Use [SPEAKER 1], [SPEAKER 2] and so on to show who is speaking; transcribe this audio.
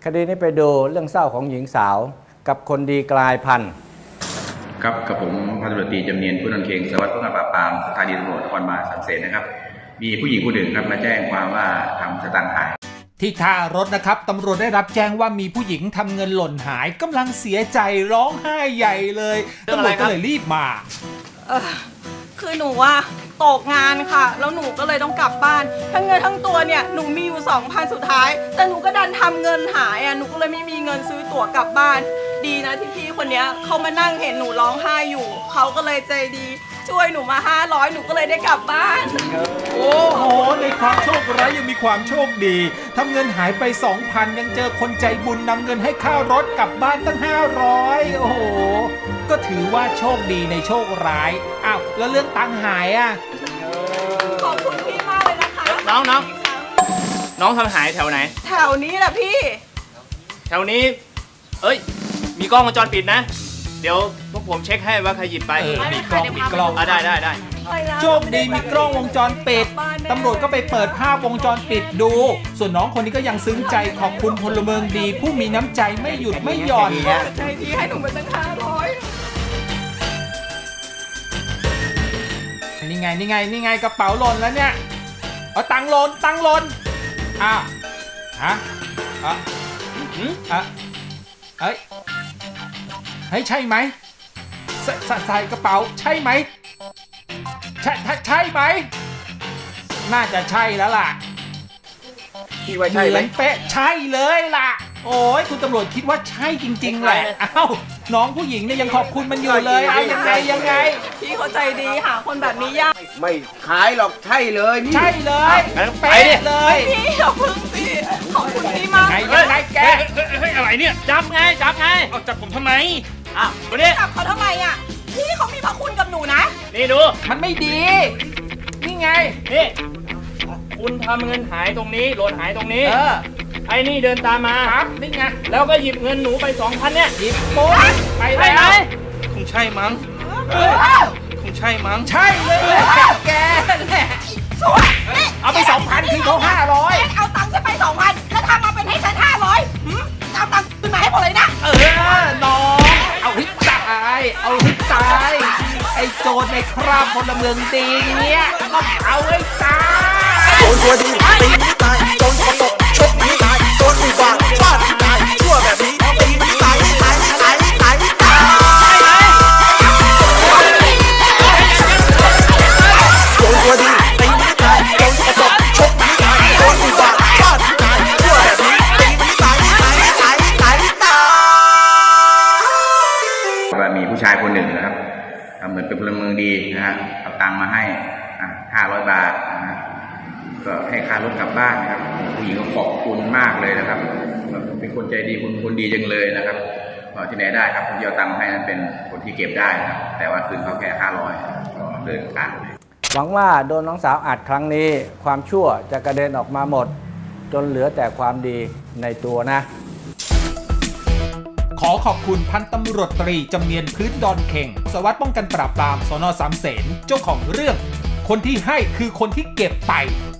[SPEAKER 1] คดีนี้ไปดูเรื่องเศร้าของหญิงสาวกับคนดีกลายพันธุ์
[SPEAKER 2] ครับกับผมพันตำรวจตรีจำเนียนผู้นำเคียงสารวัตรป้องกันปราบปรามสถานีตำรวจนครบาลสามเสนนะครับมีผู้หญิงคนหนึ่งครับมาแจ้งความว่าทำสตางค์หาย
[SPEAKER 3] ที่ท่ารถนะครับตำรวจได้รับแจ้งว่ามีผู้หญิงทำเงินหล่นหายกำลังเสียใจร้องไห้ใหญ่เลยตำรวจก็เลยรีบมา
[SPEAKER 4] คือหนูว่าตกงานค่ะแล้วหนูก็เลยต้องกลับบ้านทั้งเงินทั้งตัวเนี่ยหนูมีอยู่ 2,000 สุดท้ายแต่หนูก็ดันทำเงินหายหนูก็เลยไม่มีเงินซื้อตั๋วกลับบ้านดีนะที่พี่คนนี้เขามานั่งเห็นหนูร้องไห้อยู่เขาก็เลยใจดีช่วยหนูมา500หนูก็เลยได้กลับบ้าน
[SPEAKER 3] โอ้โหในความโชคร้ายยังมีความโชคดีทำเงินหายไป 2,000 ยังเจอคนใจบุญนำเงินให้ค่ารถกลับบ้านตั้ง500โอ้โหก็ถือว่าโชคดีในโชคร้ายอ้าวแล้วเรื่องตังค์หาย
[SPEAKER 4] ขอบคุณพี่มากเลยนะคะ
[SPEAKER 5] น้องทำหายแถวไหน
[SPEAKER 4] แถวนี้แหละพี่
[SPEAKER 5] แถวนี้มีกล้องวงจรปิดนะเดี๋ยวพวกผมเช็คให้ว่าใครหยิบไป
[SPEAKER 3] มีกล้อง
[SPEAKER 5] ได้
[SPEAKER 3] โชคดีมีกล้องวงจรปิดตำรวจก็ไปเปิดภาพวงจรปิดดูส่วนน้องคนนี้ก็ยังซึ้งใจขอบคุณพลเมืองดีผู้มีน้ำใจไม่หยุดไม่หย่อน
[SPEAKER 4] ใจดีให้หนูมาตั้ง500
[SPEAKER 3] นี่ไงกระเป๋าหล่นแล้วเนี่ยตังค์หล่นเฮ้ยใช่ไหมใส่กระเป๋าใช่ไหมใช่ไหมน่าจะใช่แล้วล่ะ
[SPEAKER 5] พี่ว่าใช่ไหม
[SPEAKER 3] เป๊ะใช่เลยล่ะโอ้ยคุณตำรวจคิดว่าใช่จริงๆแหละน้องผู้หญิงเนี่ยยังขอบคุณมันอยู่เลยยังไง
[SPEAKER 4] พี่เขาใจดีหาคนแบบนี้ยาก
[SPEAKER 6] ไม่ขายหรอกใช่เลยนี่
[SPEAKER 3] ใช่เลยเป๊ะเลย
[SPEAKER 4] พี่อย่าพึ่งสิขอบคุณพี่มาก
[SPEAKER 3] ยังไงแก
[SPEAKER 5] อะไรเนี่ยจับไงเอาจับผมทำไม
[SPEAKER 4] ตัวนี้จับเขาทำไมพี่เขามีพระคุณกับหนูนะ
[SPEAKER 5] นี่ดู
[SPEAKER 3] มันไม่ดีนี่ไง
[SPEAKER 5] นี่คุณทำเงินหายตรงนี้หล่นหายตรงนี้ไอ้นี่เดินตามมา
[SPEAKER 3] ครับนี่ไง
[SPEAKER 5] แล้วก็หยิบเงินหนูไป 2,000 เนี่ย
[SPEAKER 3] หยิบปุ๊บไปแล้ว
[SPEAKER 5] คงใช่มั้งใช่
[SPEAKER 3] เลยแกแหละเอาไป 2,000 คือเขา500
[SPEAKER 4] เอาตังค์ฉันไป 2,000 แล้วทำมาเป็นให้ฉัน500เอาตังค์คืนมาให้หมดเลยนะ
[SPEAKER 3] น้องเอาให้ตายไอ้โจรในคราบพลเมืองดีเนี่ยต้องเอาให้ตาย
[SPEAKER 6] โจรตัวดีตีไม่ตายโจรสกปรกชกไม่ตายโจรอุบาทฟาดไม่ตายชั่วแบบนี้ตีไม่ตายโจรตัวดีตีไม่ตายโจรสกปรกชกไม่ตายโจรอุบาทฟาดไม่ตายชั่วแบบนี้ตีไม่ตาย
[SPEAKER 2] ว่ามีผู้ชายคนหนึ่งนะครับทำเหมือนเป็นพลเมืองดีนะฮะเอาตังค์มาให้500 บาทนะฮะก็ให้ค่ารถกลับบ้านนะครับผู้หญิงก็ขอบคุณมากเลยนะครับเป็นคนใจดีคนดีจังเลยนะครับที่ไหนได้ครับคนที่เอาตังค์ให้นั้นเป็นคนที่เก็บได้นะครับแต่ว่าคืนเขาแค่500ก็เดินทางเลย
[SPEAKER 1] หวังว่าโดนน้องสาวอัดครั้งนี้ความชั่วจะกระเด็นออกมาหมดจนเหลือแต่ความดีในตัวนะ
[SPEAKER 3] ขอขอบคุณพันตำรวจตรีจำเนียนพื้นดอนเข่งสารวัตรป้องกันปราบปรามสน.สามเสนเจ้าของเรื่องคนที่ให้คือคนที่เก็บไป